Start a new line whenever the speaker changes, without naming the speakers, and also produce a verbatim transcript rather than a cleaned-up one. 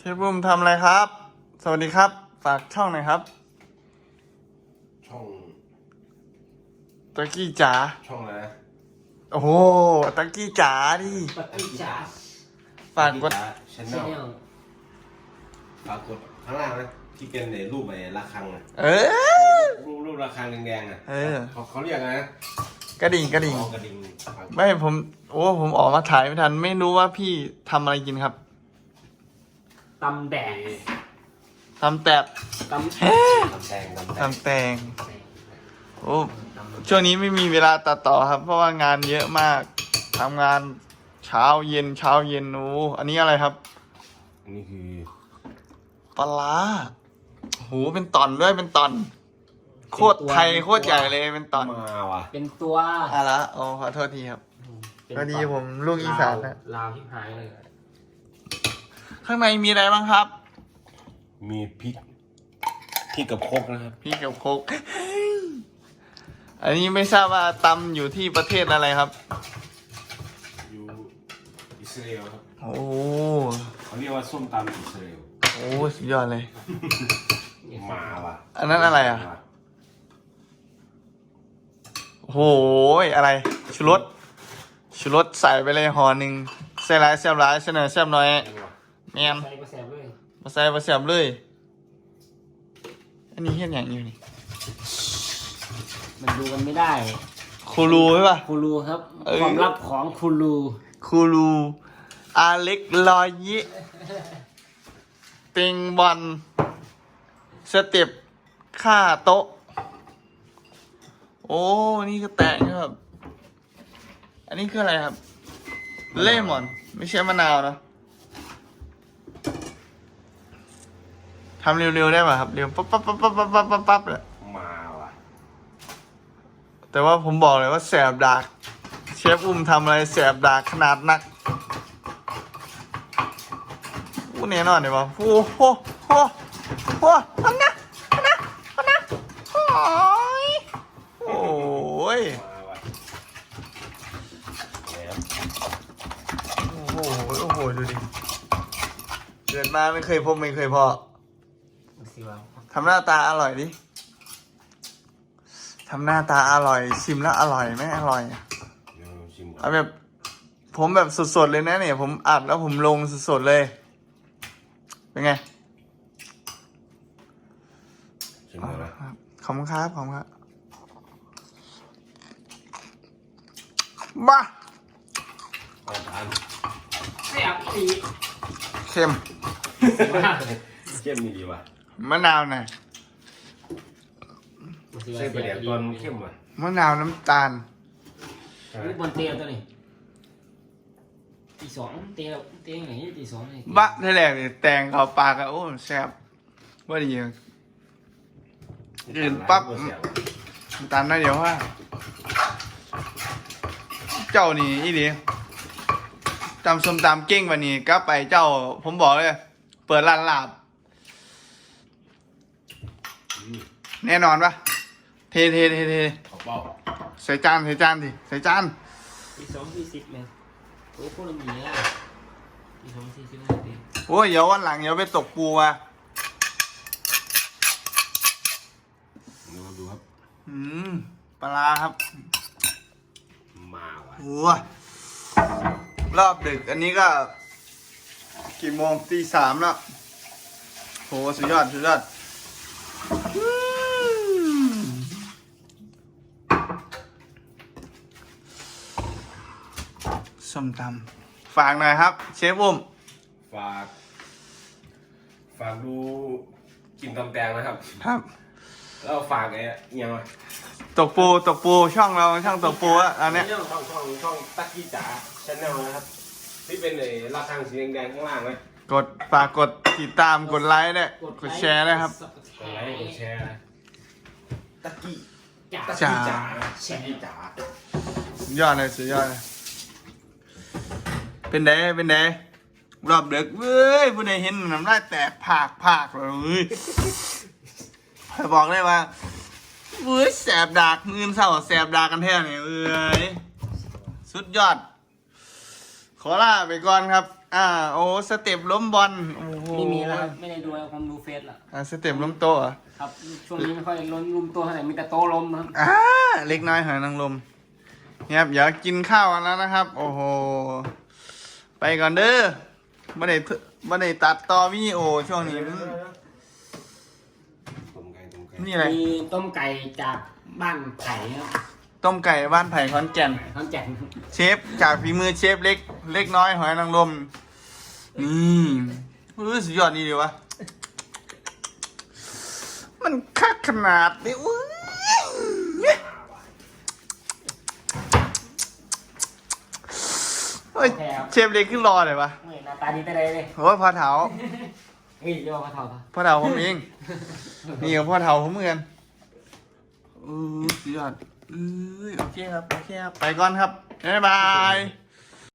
ฟบุ้มทำอะไรครับ สวัสดีครับฝากช่องหน่อยครับ
ช่อง
ตะกี้จ๋า
ช่องอะไรนะ
โอ้โหตะกี้จ๋าดิ
ตะกี้จ๋า
ฝากกด
ชแนลฝากกดข้างล่างนะที่เป็นในรูปไอ้ระฆังอ่ะ
เออ
รูปรูประฆังแดงๆอ่ะ
เออ
เขาเขาเรียกอะไรนะ
กระดิ่งกระดิ่ง
กระดิ่ง
ไม่ผมโอ้ผมออกมาถ่ายไม่ทันไม่รู้ว่าพี่ทำอะไรกินครับ
ตำแดง
ทำแตบ
ตำ
ตำแตง
ทำแตงโอ้ช่วงนี้ไม่มีเวลาตัดต่อครับ เพราะว่างานเยอะมากทำงานเช้าเย็นเช้าเย็นโอ้อันนี้อะไรครับ
อันนี้คือ
ปลาร้าโหเป็นตอนด้วยเป็นตอนโคตรไทยโคตรใหญ่เลยเป็นตอน
มาว่ะ
เป็นตัว
อะไรโอ้ขอโทษทีครับพอดีผมลูกอีสานนะ
ลาวที่หายเลย
ข้างในมีอะไรบ้างครับ
มีพริกพริกกับโคกนะครับ
พริกกับโคกอันนี้ไม่ทราบว่าตำอยู่ที่ประเทศอะไรครับ
อยู่อิสราเอลครับ
โอ้
เขาเรียกว่าส้มตำอิสราเอล
โอ้สุดยอดเลย
มาว่ะ
อันนั้นอะไรอ่ะโอ้ยอะไรชูรสชูรสใส่ไปเลยห่อหนึ่งใส่หลายแซ่บหลายเสนอแซ่บน้อยแมน
ใส่มาแสบเลย
มาใส่มาแซ่บเลยอันนี้เห็นอย่างอยู่นี่
มันดูกันไม่ได้
คูรูใช่ป่ะ
คูรูครับความลับของคูรู
คูรูอาเล็กลอยยิติงบอลสเต็ปค่าโต๊ะโอ้นี่ก็แตงครับอันนี้คืออะไรครับเลมอนไม่ใช่มะนาวนะทำเร็วๆได้ป่ะครับเร็วปั๊บปั๊บปั๊บปั๊บปั๊บปั๊บปั๊บเลย
มาว่ะ
แต่ว่าผมบอกเลยว่าแสบดากเชฟอุ้มทำอะไรแสบดากขนาดนักอู้แน่นอนเลยว่ะโอ้โหโอ้โหอันนะอันนะอันนะโอ้ยโอ้ยโอ้โหโอ้โหดูดิเกิดมาไม่เคยพบไม่เคยพอทำหน้าตาอร่อยดิทำหน้าตาอร่อยชิมแล้วอร่อยไหมอร่อยเอาแบบผมแบบสดๆเลยนะเนี่ยผมอัดแล้วผมลงสดๆเลยเป็นไงขอบคุณครับขอบคุณครับบ้า
แซ่บอี
เค็ม
เข้มดีว่ะ
มะนาวหน่อย
ใส่ประเดี๋ยวตอนเข้มว่ะ
มะนาวน้ำตาล
นี่บนเตียงตัวนี้ตีสองเตียงเตียงไหนตีสองนี่
บะที่แรกเนี่ยแตงเขาปลากันโอ้แซ่บว่าดีกินปั๊บน้ำตาลน่าเดี๋ยวว่าเจ้านี่อีดีตำส้มตำเก่งวันนี้ก็ไปเจ้าผมบอกเลยเปิดร้านลาบแน่นอนปะเทเทเทเทใส่จานใส่จานดิใส่จาน
ตีสองสี่สิบเลยโอ้โหเรามีอ่ะตีสองสี่สิบห้าตี
โอ้ยเดี๋ยววันหลังเดี๋ยวไปตกปูมา
ดูดูครับ
อืมปลาครับ
มาว่ะ
โอ้ยรอบดึกอันนี้ก็กี่โมงตีสามแล้วโหสุดยอดสุดยอดส้มตำฝากหน่อยครับเชฟอุ้ม
ฝากฝากดูกินตำแตงนะครับ
ครับ
แล้วฝากไงยังไง
ตกปูตกปูช่องเราช่องตกปูอะอันนี้
ช่องช่องช่องช่องตะกี้จ๋าชแนลนะครับที่เป็นไอ้ระฆังสีแดงๆข้างล่างไหม
กดฝากกดติดตามกดไลค์ด้วยกดแชร์ด้วยครับ
กดไลค์กดแชร์ตะกี้
จ๋า
ตะกี้จ๋าตะกี้จ๋า
สุดยอดเลยสุดยอดเลยเป็นไงเป็นไงรอบเด็กเว้ยผู้ใดเห็นน้ำลายแตกผากผากเลยบอกเลยว่าเว้ยแสบดากมือเศร้าแสบดากกันแท้เนี่ยเอ้ยสุดยอดขอลาไปก่อนครับอ่าโอ้สเต็ปล้มบอลโอ้โห
ไม่มีแล้วครับไม่ได้ดูแล้วผมดูเฟซละ
อ่าสเต็ปล้มโต๊ะเหรอ
ครับช่วงนี้ไม่ค่อยล้มรุมตัวเท่าไหร่มีแต่โต๊ะล้มครับ
อ่าเล็กน้อยหอยนางรมเนี่ยครับอยากกินข้าวกันแล้วนะครับ โอ้โหไปก่อนเด้อบ่ได้เถบ่ได้ตัดต่อวิดีโอช่วงนี้มัน
ต้มไก่ต้มไก่
นี่อะไร
มีต้มไก่จากบ้านไผ่ครับ
ต้มไก่บ้านไผ่ขอนแก่น
ขอนแก่น
เชฟจากฝีมือเชฟเล็ก เล็กน้อยหอยนางรมนี่รู้สุดยอดดีเลยวะมันคักขนาดนี้อุ้ยเฮ้ยเชฟเล็กขึ้นรอเลยวะ
เฮ้ยหน้าตาดีแต่ใดเลย
โอ้ยพ่อเถา
เฮ้ยเรียกว่าพระเท่าปะ
พ่อเถาผมเองนี่กับพ่อเถาผมเหมือนกันเออสุดยอดเอ้ยโอเคครับโอเคครับไปก่อนครับบ๊ายบาย